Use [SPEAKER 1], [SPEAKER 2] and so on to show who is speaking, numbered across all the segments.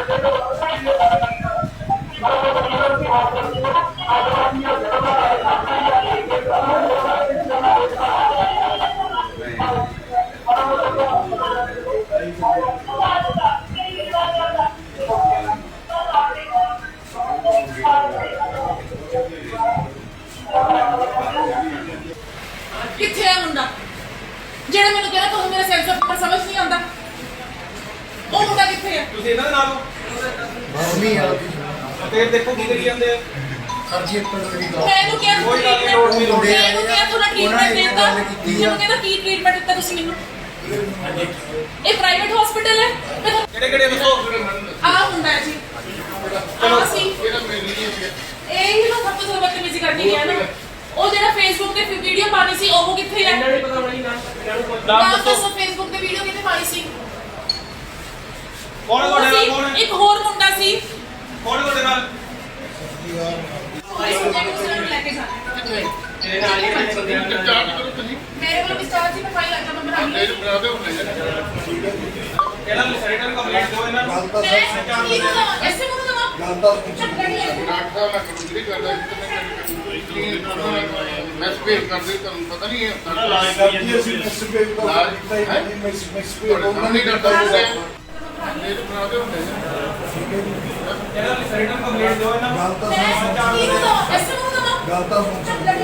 [SPEAKER 1] किथे है मुंडा जेड़ा मेनू कहना तुहानू मेरा सेंस ऑफ ह्यूमर समझ नहीं आंदा ਉਹ ਮੁੰਡਾ ਕਿੱਥੇ ਹੈ
[SPEAKER 2] ਤੁਸੀਂ ਇਹਨਾਂ ਦੇ ਨਾਲ
[SPEAKER 3] ਬਾਹਮੀ ਆ
[SPEAKER 2] ਤੇ ਦੇਖੋ ਕੀ ਕਰੀ ਜਾਂਦੇ ਆ
[SPEAKER 3] ਸਰ ਜੀ ਇੱਕ ਮਿੰਟ
[SPEAKER 1] ਮੈਨੂੰ ਕਿਹਾ
[SPEAKER 2] ਕੋਈ ਗੱਲ ਨਹੀਂ, ਲੋੜ ਨਹੀਂ, ਲੋੜ ਨਹੀਂ।
[SPEAKER 1] ਮੈਨੂੰ ਕਿਹਾ ਤੁਹਾਡਾ ਟ੍ਰੀਟਮੈਂਟ ਦਿੱਤਾ ਮੈਨੂੰ ਕਹਿੰਦਾ ਕੀ ਟ੍ਰੀਟਮੈਂਟ ਦਿੱਤਾ ਤੁਸੀਂ ਮੈਨੂੰ ਇਹ ਪ੍ਰਾਈਵੇਟ ਹਸਪੀਟਲ ਹੈ
[SPEAKER 2] ਕਿਹੜੇ ਕਿਹੜੇ ਦੱਸੋ
[SPEAKER 1] ਆ ਹੁੰਦਾ ਹੈ ਜੀ ਚਲੋ ਸੀ ਇਹ ਹੀ ਨਾ ਸਭ ਤੋਂ ਬਦਤਮੀਜ਼ੀ ਕਰਨੀ ਹੈ ਨਾ ਉਹ ਜਿਹੜਾ ਫੇਸਬੁੱਕ ਤੇ ਵੀਡੀਓ ਪਾਣੀ ਸੀ ਉਹ ਕਿੱਥੇ ਹੈ
[SPEAKER 2] ਇਹਨਾਂ ਨੇ ਪਤਾ ਬਣੀ ਨਾਮ
[SPEAKER 1] ਨਾਮ
[SPEAKER 2] ਦੱਸੋ
[SPEAKER 1] ਦੱਸੋ ਫੇਸਬੁੱਕ ਤੇ ਵੀਡੀਓ ਕਿੱਥੇ ਪਾਣੀ ਸੀ
[SPEAKER 2] ਕੌਣ ਤੁਹਾਡੇ ਨਾਲ ਕੌਣ ਹੈ
[SPEAKER 1] ਇੱਕ ਹੋਰ ਮੁੰਡਾ ਸੀ
[SPEAKER 2] ਕੌਣ ਤੁਹਾਡੇ ਨਾਲ
[SPEAKER 1] ਇਸ ਮੁੰਡੇ ਨੂੰ ਸਿਰ ਲੈ ਕੇ ਜਾਣਾ
[SPEAKER 2] ਤੇਰੇ ਨਾਲ ਹੀ ਕਿੰਨੇ ਬੰਦੇ ਆ
[SPEAKER 1] ਮੇਰੇ ਕੋਲ ਵਿਸਤਾਰ ਜੀ ਮੈਂ ਫਾਈਲ ਲੱਗਾ ਮੈਂ ਬਣਾ ਲਈ
[SPEAKER 2] ਇਹਨਾਂ ਨੂੰ ਸੈਰੇਟਰ ਕੰਪਲੀਟ ਦਿਓ ਇਹਨਾਂ ਨੂੰ
[SPEAKER 3] ਗੱਲ ਤਾਂ ਸਰ
[SPEAKER 1] ਕੀ ਨਾ ਐਸੇ ਮੁੰਡਾ ਨਾ
[SPEAKER 3] ਗੱਲ ਤਾਂ
[SPEAKER 4] ਮੈਂ ਸਪੇਸ ਕਰਦੇ ਤੁਹਾਨੂੰ ਪਤਾ ਨਹੀਂ ਹੈ
[SPEAKER 3] ਕਰਦੀ ਅਸੀਂ ਮਿਸਬੇਵ ਦਾ ਕੀਤਾ ਹੀ ਨਹੀਂ ਮਿਸਬੇਵ ਉਹਨਾਂ ਨੇ ਕਰਦਾ
[SPEAKER 4] ਮੇਰੇ ਬਣਾਦੇ ਹੁੰਦੇ
[SPEAKER 2] ਇਹਨਾਂ ਨੂੰ ਸੈਰੇਟਰ ਕੰਪਲੀਟ ਦਿਓ ਇਹਨਾਂ ਨੂੰ
[SPEAKER 3] ਗੱਲ ਤਾਂ ਸਰ
[SPEAKER 1] ਕੀ ਨਾ ਐਸੇ ਮੁੰਡਾ ਨਾ
[SPEAKER 3] ਗੱਲ ਤਾਂ ਸੁਣ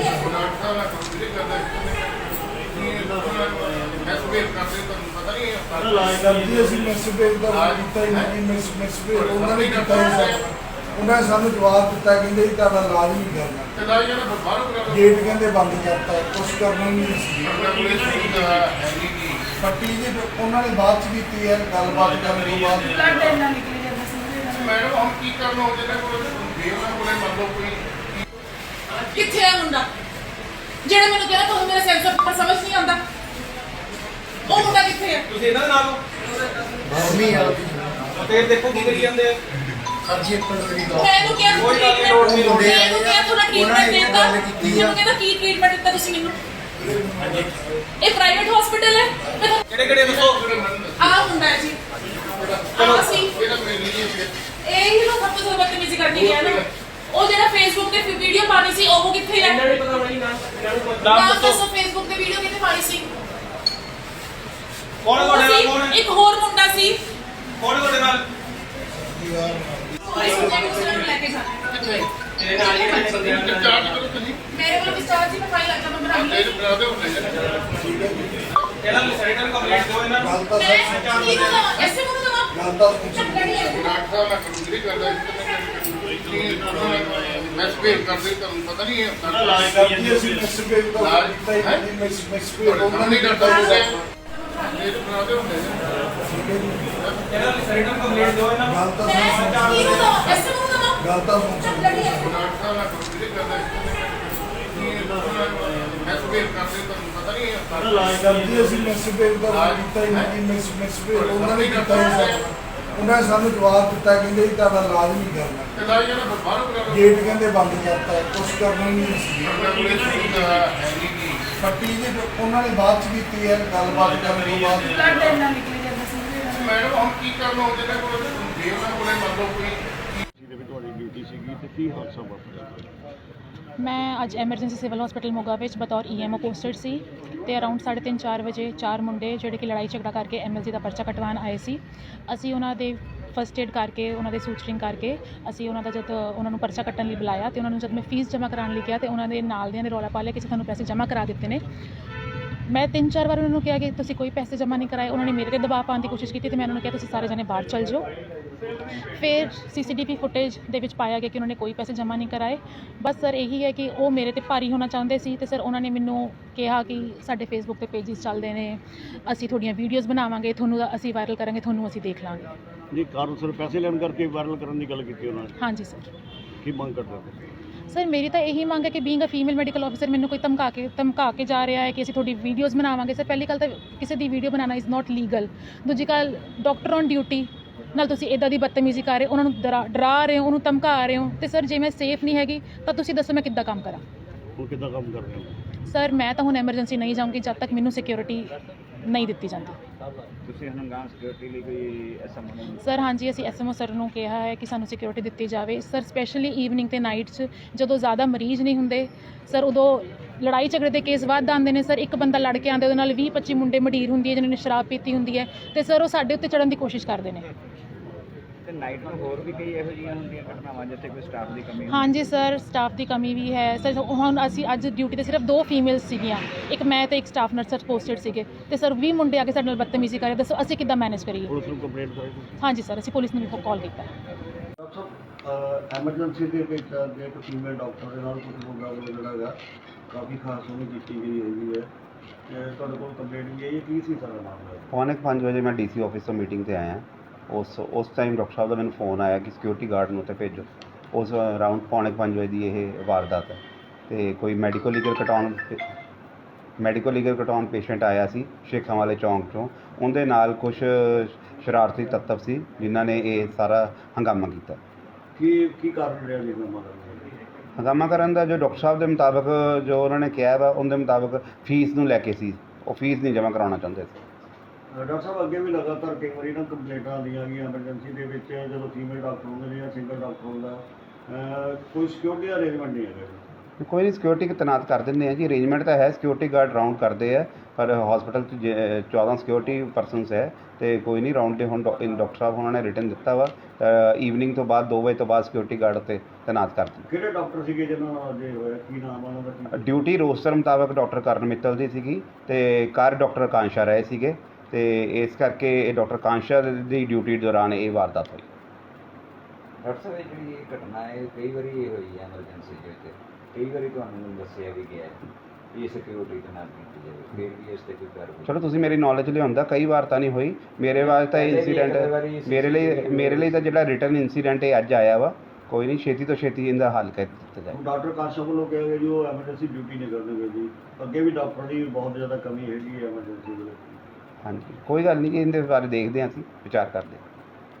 [SPEAKER 4] ਮੈਂ ਸਪੇਸ ਕਰਦੇ ਤੁਹਾਨੂੰ ਪਤਾ ਨਹੀਂ ਹੈ
[SPEAKER 3] ਕਰਦੀ ਅਸੀਂ ਮਿਸਬੇਵ ਦਾ ਕੀਤਾ ਹੀ ਨਹੀਂ ਮਿਸਬੇਵ ਉਹਨਾਂ ਨੇ ਕੀਤਾ ਹੀ ਉਹਨਾਂ ਨੇ ਸਾਨੂੰ ਜਵਾਬ ਦਿੱਤਾ ਕਹਿੰਦੇ ਜੀ ਤੁਹਾਡਾ ਇਲਾਜ ਨਹੀਂ ਕਰਨਾ
[SPEAKER 4] ਤੇ ਲਾਈ ਜਾਣਾ ਬਾਹਰੋਂ ਕਰਾ ਲਓ
[SPEAKER 3] ਗੇਟ ਕਹਿੰਦੇ ਬੰਦ ਕਰਤਾ ਕੁਛ ਕਰਨਾ ਹੀ ਨਹੀਂ ਸੀ
[SPEAKER 4] ਹੈਗੀ ਕੀ
[SPEAKER 3] ਪੱਟੀ ਜੀ ਉਹਨਾਂ ਨੇ ਬਾਅਦ ਚ ਕੀਤੀ ਹੈ ਗੱਲਬਾਤ ਕਰਨ ਤੋਂ ਬਾਅਦ
[SPEAKER 1] ਬਲੱਡ ਇੰਨਾ ਨਿਕਲ ਜਾਂਦਾ ਸੀ
[SPEAKER 4] ਮੈਡਮ ਹੁਣ ਕੀ ਕਰਨਾ ਹੋ ਜਿਹਨਾਂ ਕੋਲ ਦੇਵਨਾ ਕੋਲੇ ਮੰਨ ਲਓ ਕੋਈ
[SPEAKER 1] ਕਿੱਥੇ ਹੈ ਮੁੰਡਾ ਜਿਹੜਾ ਮੈਨੂੰ ਕਹਿੰਦਾ ਤੁਹਾਨੂੰ ਮੇਰਾ ਸੈਂਸ ਆਫ ਹਿਊਮਰ ਸਮਝ ਨਹੀਂ ਆਉਂਦਾ ਉਹ ਮੁੰਡਾ ਕਿੱਥੇ ਹੈ
[SPEAKER 2] ਤੁਸੀਂ ਇਹਨਾਂ ਦੇ ਨਾਲ
[SPEAKER 3] ਬਾਹਮੀ ਆ
[SPEAKER 2] ਤੇ ਦੇਖੋ ਕੀ ਕਰੀ ਜਾਂਦੇ ਆ
[SPEAKER 3] ਸਰ ਜੀ ਇੱਕ ਮਿੰਟ
[SPEAKER 1] ਮੈਨੂੰ ਕਿਹਾ
[SPEAKER 2] ਕੋਈ ਗੱਲ ਨਹੀਂ, ਲੋੜ ਨਹੀਂ, ਲੋੜ ਨਹੀਂ।
[SPEAKER 1] ਮੈਨੂੰ ਕਿਹਾ ਤੁਹਾਡਾ ਟ੍ਰੀਟਮੈਂਟ ਦਿੱਤਾ ਮੈਨੂੰ ਕਹਿੰਦਾ ਕੀ ਟ੍ਰੀਟਮੈਂਟ ਦਿੱਤਾ ਤੁਸੀਂ ਮੈਨੂੰ ਇਹ ਪ੍ਰਾਈਵੇਟ ਹਸਪੀਟਲ ਹੈ
[SPEAKER 2] ਕਿਹੜੇ ਕਿਹੜੇ ਦੱਸੋ
[SPEAKER 1] ਆ ਹੁੰਦਾ ਹੈ ਜੀ ਚਲੋ ਸੀ
[SPEAKER 4] ਇਹਦਾ ਮੇਰੀ ਨਹੀਂ
[SPEAKER 1] ਇਹ ਹੀ ਨਾ ਸਭ ਤੋਂ ਬਦਤਮੀਜ਼ੀ ਕਰਨੀ ਹੈ ਨਾ ਉਹ ਜਿਹੜਾ ਫੇਸਬੁੱਕ ਤੇ ਵੀਡੀਓ ਪਾਣੀ ਸੀ ਉਹ ਕਿੱਥੇ ਹੈ
[SPEAKER 2] ਇਹਨਾਂ ਨੇ ਪਤਾ ਬਣੀ ਨਾਮ
[SPEAKER 1] ਨਾਮ
[SPEAKER 2] ਦੱਸੋ
[SPEAKER 1] ਦੱਸੋ ਫੇਸਬੁੱਕ ਤੇ ਵੀਡੀਓ ਕਿੱਥੇ ਪਾਣੀ ਸੀ
[SPEAKER 2] ਕੌਣ ਤੁਹਾਡੇ ਨਾਲ ਕੌਣ ਹੈ
[SPEAKER 1] ਇੱਕ ਹੋਰ ਮੁੰਡਾ ਸੀ
[SPEAKER 2] ਕੌਣ ਤੁਹਾਡੇ ਨਾਲ
[SPEAKER 1] ਇਸ ਮੁੰਡੇ ਨੂੰ ਸਿਰ ਲੈ ਕੇ ਜਾਣਾ
[SPEAKER 2] ਤੇਰੇ ਨਾਲ ਹੀ ਕਿੰਨੇ ਬੰਦੇ ਆ
[SPEAKER 4] ਚਾਰਜ ਕਰੋ ਤੁਸੀਂ
[SPEAKER 1] ਮੇਰੇ ਕੋਲ ਵਿਸਤਾਰ ਜੀ ਮੈਂ ਫਾਈਲ ਲੱਗਾ ਮੈਂ ਬਣਾ ਲਈ
[SPEAKER 4] ਬਣਾਦੇ ਹੁੰਦੇ
[SPEAKER 2] ਇਹਨਾਂ ਨੂੰ ਸੈਰੇਟਰ ਕੰਪਲੀਟ ਦਿਓ ਇਹਨਾਂ ਨੂੰ
[SPEAKER 3] ਗੱਲ ਤਾਂ ਸਰ
[SPEAKER 1] ਕੀ ਨਾ ਐਸੇ ਮੁੰਡਾ ਨਾ
[SPEAKER 3] ਗੱਲ ਤਾਂ ਸੁਣ
[SPEAKER 4] ਡਾਕਟਰ ਸਾਹਿਬ ਮੈਂ ਕੰਪਲੀਟ ਕਰਦਾ ਮੈਂ ਸਪੇਸ ਕਰਦੇ ਤੁਹਾਨੂੰ ਪਤਾ ਨਹੀਂ ਹੈ
[SPEAKER 3] ਕਰਦੀ ਅਸੀਂ ਮਿਸਬੇਵ ਦਾ ਕੀਤਾ ਹੀ ਨਹੀਂ ਮਿਸਬੇਵ ਉਹਨਾਂ ਨੇ ਕਰਦਾ
[SPEAKER 4] ਮੇਰੇ ਬਣਾਦੇ ਹੁੰਦੇ
[SPEAKER 2] ਇਹਨਾਂ ਨੂੰ ਸੈਰੇਟਰ ਕੰਪਲੀਟ ਦਿਓ ਇਹਨਾਂ ਨੂੰ
[SPEAKER 3] ਗੱਲ ਤਾਂ ਸਰ
[SPEAKER 1] ਕੀ ਨਾ ਐਸੇ ਮੁੰਡਾ ਨਾ
[SPEAKER 3] ਗੱਲ ਤਾਂ ਸੁਣ
[SPEAKER 4] ਡਾਕਟਰ ਸਾਹਿਬ ਮੈਂ ਕੰਪਲੀਟ ਕਰਦਾ ਮੈਂ ਸਪੇਸ ਕਰਦੇ ਤੁਹਾਨੂੰ ਪਤਾ ਨਹੀਂ ਹੈ
[SPEAKER 3] ਕਰਦੀ ਅਸੀਂ ਮਿਸਬੇਵ ਦਾ ਕੀਤਾ ਹੀ ਨਹੀਂ ਮਿਸਬੇਵ ਉਹਨਾਂ ਨੇ ਕੀਤਾ ਹੀ ਉਹਨਾਂ ਨੇ ਸਾਨੂੰ ਜਵਾਬ ਦਿੱਤਾ ਕਹਿੰਦੇ ਜੀ ਤੁਹਾਡਾ ਇਲਾਜ ਨਹੀਂ ਕਰਨਾ
[SPEAKER 4] ਤੇ ਲਾਈ ਜਾਣਾ ਬਾਹਰੋਂ ਕਰਾ ਲਓ
[SPEAKER 3] ਗੇਟ ਕਹਿੰਦੇ ਬੰਦ ਕਰਤਾ ਕੁਛ ਕਰਨਾ ਹੀ ਨਹੀਂ ਸੀ
[SPEAKER 4] ਹੈਗੀ ਕੀ
[SPEAKER 3] ਪੱਟੀ ਜੀ ਉਹਨਾਂ ਨੇ ਬਾਅਦ ਚ ਕੀਤੀ ਹੈ ਗੱਲਬਾਤ ਕਰਨ ਤੋਂ ਬਾਅਦ
[SPEAKER 1] ਬਲੱਡ ਇੰਨਾ ਨਿਕਲ ਜਾਂਦਾ ਸੀ
[SPEAKER 4] ਮੈਡਮ ਹੁਣ ਕੀ ਕਰਨਾ ਹੋ ਜਿਹਨਾਂ ਕੋਲ ਦੇਵਨਾ ਕੋਲੇ ਮੰਨ ਲਓ ਕੋਈ
[SPEAKER 5] ਜਿਹਦੇ ਵਿੱਚ ਤੁਹਾਡੀ ਡਿਊਟੀ ਸੀਗੀ ਤੇ ਕੀ ਹਾਦਸਾ ਵਾਪਰਿਆ?
[SPEAKER 6] ਮੈਂ ਅੱਜ ਐਮਰਜੈਂਸੀ ਸਿਵਲ ਹਸਪੀਟਲ ਮੋਗਾ ਵਿੱਚ ਬਤੌਰ ਈਐਮਓ ਪੋਸਟਡ ਸੀ ਤੇ ਅਰਾਊਂਡ 3:30-4 ਵਜੇ 4 ਮੁੰਡੇ ਜਿਹੜੇ ਕਿ ਲੜਾਈ ਝਗੜਾ ਕਰਕੇ ਐਮਐਲਸੀ ਦਾ ਪਰਚਾ ਕਟਵਾਉਣ ਆਏ ਸੀ। ਅਸੀਂ ਉਹਨਾਂ ਦੇ ਫਸਟ ਏਡ ਕਰਕੇ ਉਹਨਾਂ ਦੇ ਸੂਚਰਿੰਗ ਕਰਕੇ ਅਸੀਂ ਉਹਨਾਂ ਦਾ ਜਦ ਉਹਨਾਂ ਨੂੰ ਪਰਚਾ ਕੱਟਣ ਲਈ ਬੁਲਾਇਆ ਤੇ ਉਹਨਾਂ ਨੂੰ ਜਦ ਮੈਂ ਫੀਸ ਜਮ੍ਹਾਂ ਕਰਾਉਣ ਲਈ ਕਿਹਾ ਤੇ ਉਹਨਾਂ ਦੇ ਨਾਲ ਦਿਆਂ ਨੇ ਰੌਲਾ ਪਾ ਲਿਆ ਕਿ ਸਾਨੂੰ ਪੈਸੇ ਜਮ੍ਹਾਂ ਕਰਾ ਦਿੱਤੇ ਨੇ। ਮੈਂ 3-4 ਵਾਰ ਉਹਨਾਂ ਨੂੰ ਕਿਹਾ ਕਿ ਤੁਸੀਂ ਕੋਈ ਪੈਸੇ ਜਮ੍ਹਾਂ ਨਹੀਂ ਕਰਾਏ। ਉਹਨਾਂ ਨੇ ਮੇਰੇ 'ਤੇ ਦਬਾਅ ਪਾਉਣ ਦੀ ਕੋਸ਼ਿਸ਼ ਕੀਤੀ ਤੇ ਮੈਂ ਉਹਨਾਂ ਨੂੰ ਕਿਹਾ ਤੁਸੀਂ ਸਾਰੇ ਜਣੇ ਬਾਹਰ ਚੱਲ ਜਾਓ। ਫਿਰ ਸੀਸੀਟੀਵੀ ਫੁਟੇਜ ਦੇ ਵਿੱਚ ਪਾਇਆ ਗਿਆ ਕਿ ਉਹਨਾਂ ਨੇ ਕੋਈ ਪੈਸੇ ਜਮ੍ਹਾਂ ਨਹੀਂ ਕਰਾਏ। ਬਸ ਸਰ ਇਹੀ ਹੈ ਕਿ ਉਹ ਮੇਰੇ 'ਤੇ ਭਾਰੀ ਹੋਣਾ ਚਾਹੁੰਦੇ ਸੀ ਤੇ ਸਰ ਉਹਨਾਂ ਨੇ ਮੈਨੂੰ ਕਿਹਾ ਕਿ ਸਾਡੇ ਫੇਸਬੁੱਕ 'ਤੇ ਪੇਜਿਸ ਚੱਲਦੇ ਨੇ, ਅਸੀਂ ਤੁਹਾਡੀਆਂ ਵੀਡੀਓਜ਼ ਬਣਾਵਾਂਗੇ, ਤੁਹਾਨੂੰ ਅਸੀਂ ਵਾਇਰਲ ਕਰਾਂਗੇ, ਤੁਹਾਨੂੰ ਅਸੀਂ ਦੇਖ ਲਾਂਗੇ।
[SPEAKER 5] ਜੀ ਕਾਰਨ ਸਰ ਪੈਸੇ ਲੈਣ ਕਰਕੇ ਵਾਇਰਲ ਕਰਨ ਦੀ ਗੱਲ ਕੀਤੀ ਉਹਨਾਂ ਨੇ,
[SPEAKER 6] ਹਾਂਜੀ ਸਰ।
[SPEAKER 5] ਕੀ ਮੰਗ ਕਰਦੇ ਹੋ?
[SPEAKER 6] ਸਰ ਮੇਰੀ ਤਾਂ ਇਹੀ ਮੰਗ ਹੈ ਕਿ being a female medical officer ਮੈਨੂੰ ਕੋਈ ਧਮਕਾ ਕੇ ਜਾ ਰਿਹਾ ਹੈ ਕਿ ਅਸੀਂ ਤੁਹਾਡੀ ਵੀਡੀਓਜ਼ ਬਣਾਵਾਂਗੇ। ਸਰ ਪਹਿਲੀ ਗੱਲ ਤਾਂ ਕਿਸੇ ਦੀ ਵੀਡੀਓ ਬਣਾਉਣਾ ਇਜ਼ ਨਾਟ ਲੀਗਲ। ਦੂਜੀ ਗੱਲ ਡਾਕਟਰ ਔਨ ਡਿਊਟੀ ਨਾਲ ਤੁਸੀਂ ਇੱਦਾਂ ਦੀ ਬਦਤਮੀਜ਼ੀ ਕਰ ਰਹੇ ਹੋ, ਉਹਨਾਂ ਨੂੰ ਡਰਾ ਰਹੇ ਹੋ, ਉਹਨੂੰ ਧਮਕਾ ਰਹੇ ਹੋ ਤੇ ਸਰ ਜੇ ਮੈਂ ਸੇਫ ਨਹੀਂ ਹੈਗੀ ਤਾਂ ਤੁਸੀਂ ਦੱਸੋ ਮੈਂ ਕਿੱਦਾਂ ਕੰਮ ਕਰਾਂ?
[SPEAKER 5] ਹੁਣ ਕਿੱਦਾਂ ਕੰਮ ਕਰ ਰਹੇ ਹੋ?
[SPEAKER 6] ਸਰ ਮੈਂ ਤਾਂ ਹੁਣ ਐਮਰਜੈਂਸੀ ਨਹੀਂ ਜਾਊਂਗੀ ਜਦ ਤੱਕ ਮੈਨੂੰ ਸਿਕਿਉਰਿਟੀ ਨਹੀਂ ਦਿੱਤੀ ਜਾਂਦੀ।
[SPEAKER 5] ਤੁਸੀਂ ਹੰਗਾਮ ਸਿਕਿਉਰਿਟੀ ਲਈ ਕੋਈ ਐਸਐਮਓ ਨੂੰ
[SPEAKER 6] ਸਰ ਹਾਂਜੀ ਅਸੀਂ ਐਸਐਮਓ ਸਰ ਨੂੰ ਕਿਹਾ ਹੈ ਕਿ ਸਾਨੂੰ ਸਿਕਿਉਰਿਟੀ ਦਿੱਤੀ ਜਾਵੇ ਸਰ, ਸਪੈਸ਼ਲੀ ਈਵਨਿੰਗ ਤੇ ਨਾਈਟ 'ਚ ਜਦੋਂ ਜ਼ਿਆਦਾ ਮਰੀਜ਼ ਨਹੀਂ ਹੁੰਦੇ ਸਰ, ਉਦੋਂ ਲੜਾਈ ਝਗੜੇ ਦੇ ਕੇਸ ਵੱਧ ਆਉਂਦੇ ਨੇ ਸਰ। ਇੱਕ ਬੰਦਾ ਲੜ ਕੇ ਆਉਂਦੇ ਉਹਦੇ ਨਾਲ 20-25 ਮੁੰਡੇ ਮਡੀਰ ਹੁੰਦੀ ਹੈ ਜਿਨ੍ਹਾਂ ਨੇ ਸ਼ਰਾਬ ਪੀਤੀ ਹੁੰਦੀ ਹੈ ਤੇ ਸਰ ਉਹ ਸਾਡੇ ਉੱਤੇ ਚੜ੍ਹਨ ਦੀ ਕੋਸ਼ਿਸ਼ ਕਰਦੇ ਨੇ।
[SPEAKER 5] ਤੇ ਨਾਈਟ ਨੂੰ ਹੋਰ ਵੀ ਕਈ ਇਹੋ ਜਿਹੀਆਂ ਹੁੰਦੀਆਂ ਘਟਨਾਵਾਂ ਜਿੱਥੇ ਕੋਈ ਸਟਾਫ ਦੀ ਕਮੀ
[SPEAKER 6] ਹਾਂਜੀ ਸਰ, ਸਟਾਫ ਦੀ ਕਮੀ ਵੀ ਹੈ ਸਰ। ਹੁਣ ਅਸੀਂ ਅੱਜ ਡਿਊਟੀ ਤੇ ਸਿਰਫ 2 ਫੀਮੇਲਸ ਸੀਗੀਆਂ, ਇੱਕ ਮੈਂ ਤੇ ਇੱਕ ਸਟਾਫ ਨਰਸ ਪੋਸਟਡ ਸੀਗੇ ਤੇ ਸਰ 20 ਮੁੰਡੇ ਆ ਕੇ ਸਾਡੇ ਨਾਲ ਬਦਤਮੀਜ਼ੀ ਕਰੇ। ਦੱਸੋ ਅਸੀਂ ਕਿੱਦਾਂ ਮੈਨੇਜ ਕਰੀਏ?
[SPEAKER 5] ਪੁਲਿਸ ਨੂੰ ਕੰਪਲੇਂਟ ਕਰਾਈ
[SPEAKER 6] ਹਾਂਜੀ ਸਰ, ਅਸੀਂ ਪੁਲਿਸ ਨੂੰ ਵੀ ਕਾਲ ਕੀਤਾ।
[SPEAKER 3] ਡਾਕਟਰ ਸਾਹਿਬ ਐਮਰਜੈਂਸੀ ਦੇ ਵਿੱਚ ਜੇ ਇੱਕ ਫੀਮੇਲ ਡਾਕਟਰ ਦੇ ਨਾਲ ਕੁਝ ਲੋਕਾਂ ਵੱਲੋਂ ਜਿਹੜਾ ਹੈਗਾ ਕਾਫੀ ਖਾਸ ਉਹਨੂੰ ਕੀਤੀ ਗਈ ਹੈਗੀ ਹੈ ਤੇ ਤੁਹਾਡੇ ਕੋਲ ਕੰਪਲੇਂਟ ਵੀ ਆਈ ਹੈ, ਕੀ ਸੀ ਸਾਰਾ ਮਾਮਲਾ?
[SPEAKER 7] ਪੌਣੇ 5 ਵਜੇ ਮੈਂ ਡੀਸੀ ਆਫਿਸ ਤੋਂ ਮੀਟਿੰਗ ਤੇ ਆਇਆ। ਉਸ ਟਾਈਮ ਡਾਕਟਰ ਸਾਹਿਬ ਦਾ ਮੈਨੂੰ ਫੋਨ ਆਇਆ ਕਿ ਸਿਕਿਉਰਿਟੀ ਗਾਰਡ ਨੂੰ ਉੱਥੇ ਭੇਜੋ। ਉਸ ਅਰਾਊਂਡ ਪੌਣੇ 5 ਵਜੇ ਦੀ ਇਹ ਵਾਰਦਾਤ ਹੈ ਤੇ ਕੋਈ ਮੈਡੀਕਲ ਲੀਗਲ ਕਟਾਉਣ ਪੇਸ਼ੈਂਟ ਆਇਆ ਸੀ ਸ਼ੇਖਾਂ ਵਾਲੇ ਚੌਂਕ 'ਚੋਂ। ਉਹਦੇ ਨਾਲ ਕੁਝ ਸ਼ਰਾਰਤੀ ਤੱਤਵ ਸੀ ਜਿਨ੍ਹਾਂ ਨੇ ਇਹ ਸਾਰਾ ਹੰਗਾਮਾ ਕੀਤਾ।
[SPEAKER 3] ਕੀ ਕਾਰਨ ਰਿਹਾ ਜੀ ਹੰਗਾਮਾ ਕਰਨ ਦਾ?
[SPEAKER 7] ਹੰਗਾਮਾ ਕਰਨ ਦਾ ਜੋ ਡਾਕਟਰ ਸਾਹਿਬ ਦੇ ਮੁਤਾਬਕ ਜੋ ਉਹਨਾਂ ਨੇ ਕਿਹਾ ਵਾ ਉਹਦੇ ਮੁਤਾਬਕ ਫੀਸ ਨੂੰ ਲੈ ਕੇ ਸੀ, ਉਹ ਫੀਸ ਨਹੀਂ ਜਮ੍ਹਾਂ ਕਰਾਉਣਾ ਚਾਹੁੰਦੇ ਸੀ।
[SPEAKER 3] ਡਾਕਟਰ ਸਾਹਿਬ ਅੱਗੇ ਵੀ ਲਗਾਤਾਰ ਕਈ ਵਾਰੀ ਨਾ ਕੰਪਲੇਂਟਾਂ ਆਉਂਦੀਆਂ ਗਈਆਂ ਐਮਰਜੈਂਸੀ ਦੇ ਵਿੱਚ ਜਦੋਂ ਫੀਮੇਲ ਡਾਕਟਰ ਹੁੰਦੇ ਨੇ ਜਾਂ ਸਿੰਗਲ ਡਾਕਟਰ ਹੁੰਦਾ ਕੋਈ ਸਿਕਿਉਰਿਟੀ ਅਰੇਂਜਮੈਂਟ ਨਹੀਂ ਹੈਗਾ ਜੀ।
[SPEAKER 7] ਕੋਈ ਨਹੀਂ, ਸਿਕਿਉਰਿਟੀ ਤੈਨਾਤ ਕਰ ਦਿੰਦੇ ਆ ਜੀ। ਅਰੇਂਜਮੈਂਟ ਤਾਂ ਹੈ, ਸਿਕਿਉਰਿਟੀ ਗਾਰਡ ਰਾਊਂਡ ਕਰਦੇ ਆ, ਪਰ ਹਸਪੀਟਲ 'ਚ 14 ਸਿਕਿਉਰਿਟੀ ਪਰਸਨਸ ਹੈ ਤੇ ਕੋਈ ਨਹੀਂ ਰਾਊਂਡ 'ਤੇ ਹੁਣ ਡਾਕਟਰ ਸਾਹਿਬ ਉਹਨਾਂ ਨੇ ਰਿਟਨ ਦਿੱਤਾ ਵਾ ਈਵਨਿੰਗ ਤੋਂ ਬਾਅਦ 2 ਵਜੇ ਤੋਂ ਬਾਅਦ ਸਿਕਿਉਰਿਟੀ ਗਾਰਡ ਉੱਤੇ ਤੈਨਾਤ ਕਰ ਦਿੱਤਾ।
[SPEAKER 3] ਕਿਹੜੇ ਡਾਕਟਰ ਸੀਗੇ ਜਿਹਨਾਂ ਨਾਲ ਜੇ ਹੋਇਆ, ਕੀ ਨਾਮ ਉਹਨਾਂ ਦਾ?
[SPEAKER 7] ਡਿਊਟੀ ਰੋਸਟਰ ਮੁਤਾਬਕ ਡਾਕਟਰ ਕਰਨ ਮਿੱਤਲ ਦੀ ਸੀਗੀ ਤੇ ਕਾਰ ਡਾਕਟਰ ਕਾਂਸ਼ਾ ਰਹੇ ਸੀਗੇ ਤੇ ਇਸ ਕਰਕੇ ਇਹ ਡਾਕਟਰ ਕਾਂਸ਼ਾ ਦੀ ਡਿਊਟੀ ਦੌਰਾਨ ਇਹ ਵਾਰਦਾਤ ਹੋਈ।
[SPEAKER 8] ਡਾਕਟਰ ਸਾਹਿਬ ਇਹ ਜਿਹੜੀ ਘਟਨਾ ਹੈ ਕਈ ਵਾਰੀ ਇਹ ਹੋਈ ਹੈ ਐਮਰਜੈਂਸੀ ਦੇ ਵਿੱਚ, ਕਈ ਵਾਰੀ ਤੁਹਾਨੂੰ ਦੱਸਿਆ ਵੀ ਗਿਆ ਇਹ ਸਿਕਿਉਰਿਟੀ ਦੇ ਨਾਲ ਕੀਤੀ ਜਾਵੇ, ਫਿਰ ਵੀ ਇਸ 'ਤੇ ਕੋਈ ਕਾਰਵਾਈ?
[SPEAKER 7] ਚਲੋ ਤੁਸੀਂ ਮੇਰੀ ਨੌਲੇਜ ਲਿਆਉਂਦਾ, ਕਈ ਵਾਰ ਤਾਂ ਨਹੀਂ ਹੋਈ ਮੇਰੇ ਵਾਸਤੇ ਤਾਂ ਇਹ ਇੰਸੀਡੈਂਟ ਮੇਰੇ ਲਈ ਤਾਂ ਜਿਹੜਾ ਰਿਟਰਨ ਇੰਸੀਡੈਂਟ ਇਹ ਅੱਜ ਆਇਆ ਵਾ। ਕੋਈ ਨਹੀਂ, ਛੇਤੀ ਤੋਂ ਛੇਤੀ ਇਹਦਾ ਹੱਲ ਕਰ ਦਿੱਤਾ ਜਾਏ।
[SPEAKER 3] ਡਾਕਟਰ ਕਾਂਸ਼ਾ ਵੱਲੋਂ ਕਿਹਾ ਗਿਆ ਜੀ ਉਹ ਐਮਰਜੈਂਸੀ ਡਿਊਟੀ ਨਹੀਂ ਕਰਨਗੇ ਜੀ, ਅੱਗੇ ਵੀ ਡਾਕਟਰ ਦੀ ਬਹੁਤ ਜ਼ਿਆਦਾ ਕਮੀ ਹੈਗੀ ਹੈ ਐਮਰਜੈਂਸੀ ਦੇ ਵਿੱਚ।
[SPEAKER 7] ਹਾਂਜੀ, ਕੋਈ ਗੱਲ ਨਹੀਂ ਜੀ, ਇਹਦੇ ਬਾਰੇ ਦੇਖਦੇ ਹਾਂ, ਅਸੀਂ ਵਿਚਾਰ ਕਰਦੇ ਹਾਂ।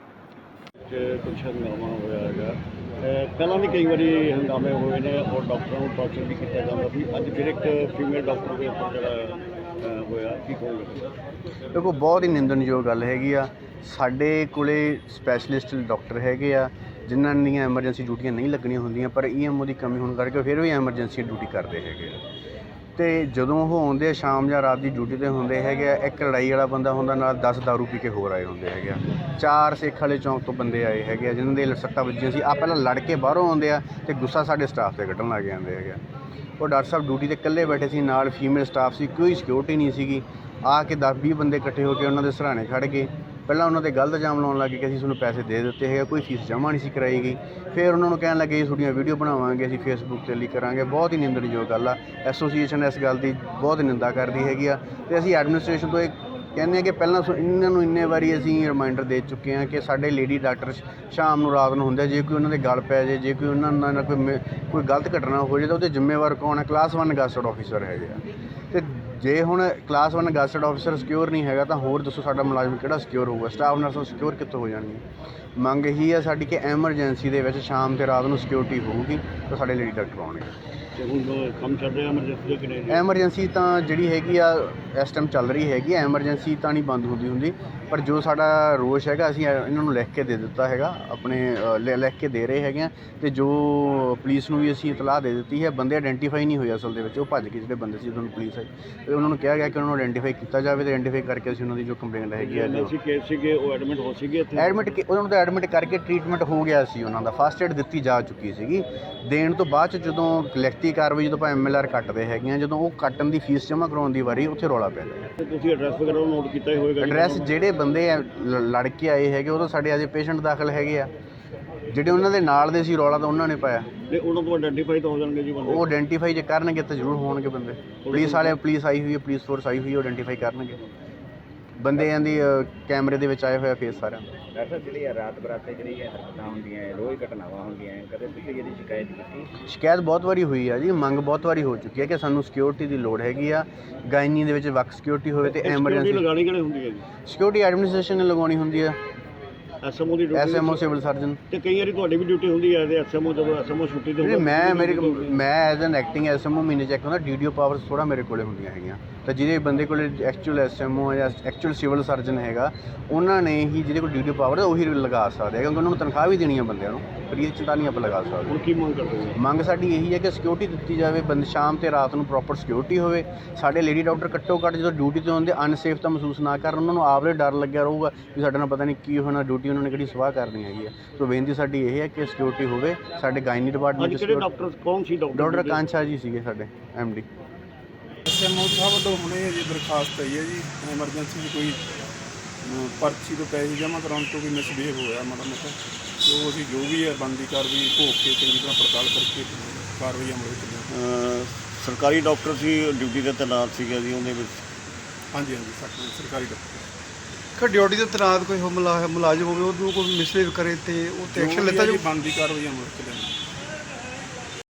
[SPEAKER 5] ਕੁਝ ਹੰਗਾਮਾ ਹੋਇਆ ਹੈਗਾ। ਪਹਿਲਾਂ ਵੀ ਕਈ ਵਾਰੀ ਹੰਗਾਮੇ ਹੋਏ ਨੇ ਔਰ ਡਾਕਟਰਾਂ ਨੂੰ ਟਾਰਚਰ ਵੀ ਕੀਤਾ ਜਾਂਦਾ ਸੀ। ਅੱਜ ਫਿਰ ਇੱਕ ਫੀਮੇਲ ਡਾਕਟਰ ਦੇ ਉੱਪਰ ਜਿਹੜਾ ਹੋਇਆ, ਕੀ ਕਹੋਗੇ?
[SPEAKER 9] ਦੇਖੋ ਬਹੁਤ ਹੀ ਨਿੰਦਣਯੋਗ ਗੱਲ ਹੈਗੀ ਆ। ਸਾਡੇ ਕੋਲੇ ਸਪੈਸ਼ਲਿਸਟ ਡਾਕਟਰ ਹੈਗੇ ਆ ਜਿਨ੍ਹਾਂ ਦੀਆਂ ਐਮਰਜੈਂਸੀ ਡਿਊਟੀਆਂ ਨਹੀਂ ਲੱਗਣੀਆਂ ਹੁੰਦੀਆਂ, ਪਰ ਈਐਮਓ ਦੀ ਕਮੀ ਹੋਣ ਕਰਕੇ ਫਿਰ ਵੀ ਐਮਰਜੈਂਸੀ ਡਿਊਟੀ ਕਰਦੇ ਹੈਗੇ ਆ। ਤੇ ਜਦੋਂ ਉਹ ਆਉਂਦੇ ਆ ਸ਼ਾਮ ਜਾਂ ਰਾਤ ਦੀ ਡਿਊਟੀ ਤੇ ਹੁੰਦੇ ਹੈਗੇ ਆ, ਇੱਕ ਲੜਾਈ ਵਾਲਾ ਬੰਦਾ ਹੁੰਦਾ ਨਾਲ 10 ਦਾਰੂ ਪੀ ਕੇ ਹੋਰ ਆਏ ਹੁੰਦੇ ਹੈਗੇ ਆ। 4 ਸੇਖ ਵਾਲੇ ਚੌਂਕ ਤੋਂ ਬੰਦੇ ਆਏ ਹੈਗੇ ਆ ਜਿਨ੍ਹਾਂ ਦੇ ਸੱਟਾਂ ਵੱਜੀਆਂ ਸੀ। ਪਹਿਲਾਂ ਲੜ ਕੇ ਬਾਹਰੋਂ ਆਉਂਦੇ ਆ ਤੇ ਗੁੱਸਾ ਸਾਡੇ ਸਟਾਫ ਤੇ ਕੱਢਣ ਲੱਗ ਜਾਂਦੇ ਹੈਗੇ ਆ। ਉਹ ਡਾਕਟਰ ਸਾਹਿਬ ਡਿਊਟੀ ਤੇ ਇਕੱਲੇ ਬੈਠੇ ਸੀ, ਨਾਲ ਫੀਮੇਲ ਸਟਾਫ ਸੀ, ਕੋਈ ਸਿਕਿਉਰਿਟੀ ਨਹੀਂ ਸੀਗੀ। ਆ ਕੇ 10-20 ਬੰਦੇ ਇਕੱਠੇ ਹੋ ਕੇ ਉਹਨਾਂ ਦੇ ਸਰਾਣੇ ਖੜ੍ਹ ਗਏ। ਪਹਿਲਾਂ ਉਹਨਾਂ 'ਤੇ ਗਲਤ ਇਲਜ਼ਾਮ ਲਾਉਣ ਲੱਗੇ ਕਿ ਅਸੀਂ ਤੁਹਾਨੂੰ ਪੈਸੇ ਦੇ ਦਿੱਤੇ ਹੈਗੇ, ਕੋਈ ਫੀਸ ਜਮ੍ਹਾਂ ਨਹੀਂ ਸੀ ਕਰਾਈ ਗਈ। ਫਿਰ ਉਹਨਾਂ ਨੂੰ ਕਹਿਣ ਲੱਗੇ ਤੁਹਾਡੀਆਂ ਵੀਡੀਓ ਬਣਾਵਾਂਗੇ, ਅਸੀਂ ਫੇਸਬੁੱਕ 'ਤੇ ਲਿਖ ਕਰਾਂਗੇ। ਬਹੁਤ ਹੀ ਨਿੰਦਣਯੋਗ ਗੱਲ ਆ। ਐਸੋਸੀਏਸ਼ਨ ਇਸ ਗੱਲ ਦੀ ਬਹੁਤ ਨਿੰਦਾ ਕਰਦੀ ਹੈਗੀ ਆ ਤੇ ਅਸੀਂ ਐਡਮਿਨਿਸਟ੍ਰੇਸ਼ਨ ਤੋਂ ਇਹ ਕਹਿੰਦੇ ਆ ਕਿ ਪਹਿਲਾਂ ਇਹਨਾਂ ਨੂੰ ਇੰਨੇ ਵਾਰੀ ਅਸੀਂ ਰਿਮਾਈਂਡਰ ਦੇ ਚੁੱਕੇ ਹਾਂ ਕਿ ਸਾਡੇ ਲੇਡੀ ਡਾਕਟਰ ਸ਼ਾਮ ਨੂੰ ਰਾਤ ਨੂੰ ਹੁੰਦੇ, ਜੇ ਕੋਈ ਉਹਨਾਂ ਦੇ ਗਲ ਪੈ ਜਾਏ, ਜੇ ਕੋਈ ਉਹਨਾਂ ਨਾਲ ਕੋਈ ਗਲਤ ਘਟਨਾ ਹੋ ਜਾਏ ਤਾਂ ਉਹਦੇ ਜ਼ਿੰਮੇਵਾਰ ਕੌਣ ਹੈ? ਕਲਾਸ 1 ਗੈਸਟਡ ਆਫੀਸਰ ਹੈਗੇ ਆ। ਤੇ ਜੇ ਹੁਣ ਕਲਾਸ 1 ਗੈਸਟਡ ਆਫੀਸਰ ਸਿਕਿਉਰ ਨਹੀਂ ਹੈਗਾ ਤਾਂ ਹੋਰ ਦੱਸੋ ਸਾਡਾ ਮੁਲਾਜ਼ਮ ਕਿਹੜਾ ਸਿਕਿਉਰ ਹੋਊਗਾ? ਸਟਾਫ ਨਰਸਾਂ ਸਿਕਿਉਰ ਕਿੱਥੋਂ ਹੋ ਜਾਣਗੀਆਂ? ਮੰਗ ਇਹੀ ਹੈ ਸਾਡੀ ਕਿ ਐਮਰਜੈਂਸੀ ਦੇ ਵਿੱਚ ਸ਼ਾਮ ਤੇ ਰਾਤ ਨੂੰ ਸਿਕਿਉਰਿਟੀ ਹੋਊਗੀ ਤਾਂ ਸਾਡੇ ਲੇਡੀ ਡਾਕਟਰ ਆਉਣਗੇ।
[SPEAKER 5] ਤੇ ਹੁਣ ਕੰਮ ਚੱਲ ਰਿਹਾ ਐਮਰਜੈਂਸੀ ਕਿ ਨਹੀਂ?
[SPEAKER 9] ਐਮਰਜੈਂਸੀ ਤਾਂ ਜਿਹੜੀ ਹੈਗੀ ਆ ਇਸ ਟਾਈਮ ਚੱਲ ਰਹੀ ਹੈਗੀ। ਐਮਰਜੈਂਸੀ ਤਾਂ ਨਹੀਂ ਬੰਦ ਹੁੰਦੀ, ਪਰ ਜੋ ਸਾਡਾ ਰੋਸ਼ ਹੈਗਾ ਅਸੀਂ ਇਹਨਾਂ ਨੂੰ ਲਿਖ ਕੇ ਦੇ ਦਿੱਤਾ ਹੈਗਾ, ਆਪਣੇ ਲਿਖ ਕੇ ਦੇ ਰਹੇ ਹੈਗੇ ਆ। ਅਤੇ ਜੋ ਪੁਲਿਸ ਨੂੰ ਵੀ ਅਸੀਂ ਇਤਲਾਹ ਦੇ ਦਿੱਤੀ ਹੈ। ਬੰਦੇ ਆਇਡੈਂਟੀਫਾਈ ਨਹੀਂ ਹੋਏ ਅਸਲ ਦੇ ਵਿੱਚ, ਉਹ ਭੱਜ ਕੇ ਜਿਹੜੇ ਬੰਦੇ ਸੀ ਜਦੋਂ ਪੁਲਿਸ ਆਈ ਅਤੇ ਉਹਨਾਂ ਨੂੰ ਕਿਹਾ ਗਿਆ ਕਿ ਉਹਨਾਂ ਨੂੰ ਆਇਡੈਂਟੀਫਾਈ ਕੀਤਾ ਜਾਵੇ ਅਤੇ ਆਇਡੈਂਟੀਫਾਈ ਕਰਕੇ ਅਸੀਂ ਉਹਨਾਂ ਦੀ ਜੋ ਕੰਪਲੇਂਟ ਹੈਗੀ ਆ
[SPEAKER 5] ਕੇਸ ਸੀਗੇ ਉਹ ਐਡਮਿਟ ਹੋ ਸੀਗੇ ਇੱਥੇ?
[SPEAKER 9] ਉਹਨਾਂ ਨੂੰ ਤਾਂ ਐਡਮਿਟ ਕਰਕੇ ਟਰੀਟਮੈਂਟ ਹੋ ਗਿਆ ਸੀ, ਉਹਨਾਂ ਦਾ ਫਸਟ ਏਡ ਦਿੱਤੀ ਜਾ ਚੁੱਕੀ ਸੀਗੀ। ਦੇਣ ਤੋਂ ਬਾਅਦ 'ਚ ਜਦੋਂ ਲਿਖਤੀ ਕਾਰਵਾਈ ਜਦੋਂ ਆਪਾਂ MLR ਕੱਟਦੇ ਹੈਗੇ ਆ, ਜਦੋਂ ਉਹ ਕੱਟਣ ਦੀ ਫੀਸ ਜਮ੍ਹਾਂ ਕਰਾਉਣ ਦੀ ਵਾਰੀ ਉੱਥੇ ਰੌਲਾ ਪੈ ਗਿਆ।
[SPEAKER 5] ਤੁਸੀਂ ਐਡਰੈਸ ਵਗੈਰਾ ਨੋਟ ਕੀਤਾ ਹੀ ਹੋਵੇਗਾ?
[SPEAKER 9] ਐਡਰੈਸ ਜਿਹੜੇ ਬੰਦੇ ਲੜ ਕੇ ਆਏ ਹੈਗੇ ਉਹ ਤਾਂ ਸਾਡੇ ਅਜੇ ਪੇਸ਼ੈਂਟ ਦਾਖਲ ਹੈਗੇ ਆ। ਜਿਹੜੇ ਉਹਨਾਂ ਦੇ ਨਾਲ ਦੇ ਸੀ ਰੌਲਾ ਤਾਂ ਉਹਨਾਂ ਨੇ ਪਾਇਆ।
[SPEAKER 5] ਤੇ ਉਹਨਾਂ ਤੋਂ ਆਇਡੈਂਟੀਫਾਈ ਤਾਂ ਹੋ ਜਾਣਗੇ ਜੀ ਬੰਦੇ? ਉਹ
[SPEAKER 9] ਆਇਡੈਂਟੀਫਾਈ ਜੇ ਕਰਨਗੇ ਤਾਂ ਜ਼ਰੂਰ ਹੋਣਗੇ ਬੰਦੇ। ਪੁਲਿਸ ਆਈ ਹੋਈ ਹੈ, ਪੁਲਿਸ ਫੋਰਸ ਆਈ ਹੋਈ ਹੈ, ਆਇਡੈਂਟੀਫਾਈ ਕਰਨਗੇ ਬੰਦਿਆਂ ਦੀ ਕੈਮਰੇ ਦੇ ਵਿੱਚ ਆਏ ਹੋਇਆ ਫੇਸ ਸਾਰਿਆਂ ਦਾ।
[SPEAKER 8] ਡਾਕਟਰ ਸਾਹਿਬ ਜਿਹੜੀ ਰਾਤ ਬਰਾਤੇ ਜਿਹੜੀ ਹਰਕਤਾਂ ਹੁੰਦੀਆਂ, ਰੋਜ਼ ਘਟਨਾਵਾਂ ਹੁੰਦੀਆਂ, ਕਦੇ ਤੁਸੀਂ ਇਹਦੀ ਸ਼ਿਕਾਇਤ ਕੀਤੀ?
[SPEAKER 9] ਸ਼ਿਕਾਇਤ ਬਹੁਤ ਵਾਰੀ ਹੋਈ ਆ ਜੀ, ਮੰਗ ਬਹੁਤ ਵਾਰੀ ਹੋ ਚੁੱਕੀ ਹੈ ਕਿ ਸਾਨੂੰ ਸਿਕਿਉਰਿਟੀ ਦੀ ਲੋੜ ਹੈਗੀ ਆ। ਗਾਇਨੀ ਦੇ ਵਿੱਚ ਵੱਖ ਸਿਕਿਉਰਿਟੀ ਹੋਵੇ ਤੇ ਐਮਰਜੈਂਸੀ
[SPEAKER 5] ਲਗਾਉਣੀ ਕਿਹੜੇ ਹੁੰਦੀ ਹੈ ਜੀ?
[SPEAKER 9] ਸਿਕਿਉਰਿਟੀ ਐਡਮਿਨਿਸਟ੍ਰੇਸ਼ਨ ਨੇ ਲਗਾਉਣੀ ਹੁੰਦੀ ਹੈ,
[SPEAKER 5] ਐਸਐਮਓ ਦੀ ਡਿਊਟੀ?
[SPEAKER 9] SMO civil surgeon.
[SPEAKER 5] ਤੇ ਕਈ ਵਾਰੀ ਤੁਹਾਡੀ ਵੀ ਡਿਊਟੀ ਹੁੰਦੀ ਹੈ ਤੇ ਐਸਐਮਓ ਜਦੋਂ ਐਸਐਮਓ ਛੁੱਟੀ ਤੇ
[SPEAKER 9] ਮੈਂ ਐਜ਼ ਐਨ ਐਕਟਿੰਗ ਐਸਐਮਓ ਮਹੀਨੇ 'ਚ ਇੱਕ ਹੁੰਦਾ। DDO ਪਾਵਰਸ ਥੋੜ੍ਹਾ ਮੇਰੇ ਕੋਲੇ ਹੁੰਦੀਆਂ ਹੈਗੀਆਂ। ਤਾਂ ਜਿਹਦੇ ਬੰਦੇ ਕੋਲ ਐਕਚੁਅਲ ਐਸਐਮਓ ਜਾਂ ਐਕਚੁਅਲ ਸਿਵਲ ਸਰਜਨ ਹੈਗਾ, ਉਹਨਾਂ ਨੇ ਹੀ ਜਿਹਦੇ ਕੋਲ ਡਿਊਟੀ ਪਾਵਰ ਹੈ ਉਹੀ ਲਗਾ ਸਕਦੇ ਆ, ਕਿਉਂਕਿ ਉਹਨਾਂ ਨੂੰ ਤਨਖਾਹ ਵੀ ਦੇਣੀ ਹੈ ਬੰਦਿਆਂ ਨੂੰ, ਫਰੀ 'ਚ ਤਾਂ ਨਹੀਂ ਆਪਾਂ ਲਗਾ ਸਕਦੇ।
[SPEAKER 5] ਹੁਣ ਕੀ ਮੰਗ ਕਰਦੇ ਹੋ?
[SPEAKER 9] ਮੰਗ ਸਾਡੀ ਇਹੀ ਹੈ ਕਿ ਸਿਕਿਉਰਿਟੀ ਦਿੱਤੀ ਜਾਵੇ, ਬੰਦੇ ਸ਼ਾਮ ਤੇ ਰਾਤ ਨੂੰ ਪ੍ਰੋਪਰ ਸਿਕਿਉਰਿਟੀ ਹੋਵੇ। ਸਾਡੇ ਲੇਡੀ ਡਾਕਟਰ ਘੱਟੋ ਘੱਟ ਜਦੋਂ ਡਿਊਟੀ 'ਤੇ ਹੁੰਦੇ ਅਨਸੇਫ ਤਾਂ ਮਹਿਸੂਸ ਨਾ ਕਰਨ, ਉਹਨਾਂ ਨੂੰ ਆਪਦੇ ਡਰ ਲੱਗਿਆ ਰਹੂਗਾ ਵੀ ਸਾਡੇ ਨਾਲ ਪਤਾ ਨਹੀਂ ਕੀ ਹੋਣਾ, ਡਿਊਟੀ ਉਹਨਾਂ ਨੇ ਕਿਹੜੀ ਸਵਾਹ ਕਰਨੀ ਹੈਗੀ ਹੈ। ਸੋ ਬੇਨਤੀ ਸਾਡੀ ਇਹ ਹੈ ਕਿ ਸਿਕਿਉਰਿਟੀ ਹੋਵੇ। ਸਾਡੇ ਗਾਇਨੀ ਡਿਪਾਰਟਮੈਂਟ
[SPEAKER 5] ਅੱਜ ਕਿਹੜੇ ਡਾਕਟਰ ਕੌਣ ਸੀ
[SPEAKER 9] ਡਾਕਟਰ ਕਾਂਛਾ ਜੀ ਸੀਗੇ ਸਾਡੇ MD।
[SPEAKER 10] ਐਸਐਮਓ ਸਾਹਿਬ ਵੱਲੋਂ ਹੁਣੇ ਜੀ ਦਰਖਾਸਤ ਆਈ ਹੈ ਜੀ, ਐਮਰਜੈਂਸੀ 'ਚ ਕੋਈ ਪਰਚੀ ਤੋਂ ਪੈਸੇ ਜਮ੍ਹਾਂ ਕਰਾਉਣ ਤੋਂ ਵੀ ਮਿਸਬਿਹੇਵ ਹੋਇਆ ਮਾੜਾ ਮੋਟਾ, ਜੋ ਅਸੀਂ ਜੋ ਵੀ ਹੈ ਬਣਦੀ ਕਾਰਵਾਈ ਭੋਗ ਕੇ ਚੰਗੀ ਤਰ੍ਹਾਂ ਪੜਤਾਲ ਕਰਕੇ ਕਾਰਵਾਈ ਅਮਲ ਵਿੱਚ ਲਿਆਵਾਂਗੇ।
[SPEAKER 5] ਸਰਕਾਰੀ ਡਾਕਟਰ ਸੀ, ਡਿਊਟੀ ਤੇ ਤੈਨਾਤ ਸੀਗਾ ਜੀ ਉਹਦੇ ਵਿੱਚ?
[SPEAKER 10] ਹਾਂਜੀ ਹਾਂਜੀ, ਸਰਕਾਰੀ ਡਾਕਟਰ
[SPEAKER 2] ਕਿ ਡਿਊਟੀ ਤੇ ਤੈਨਾਤ ਕੋਈ ਮੁਲਾਜ਼ਮ ਹੋਵੇ ਉਹਨੂੰ ਕੋਈ ਮਿਸਬਿਹੇਵ ਕਰੇ ਤੇ ਉਹ ਤੇ ਐਕਸ਼ਨ ਲਿੱਤਾ
[SPEAKER 10] ਜੋ ਬਣਦੀ ਕਾਰਵਾਈ ਅਮਲ ਵਿੱਚ ਲਿਆਵਾਂਗੇ।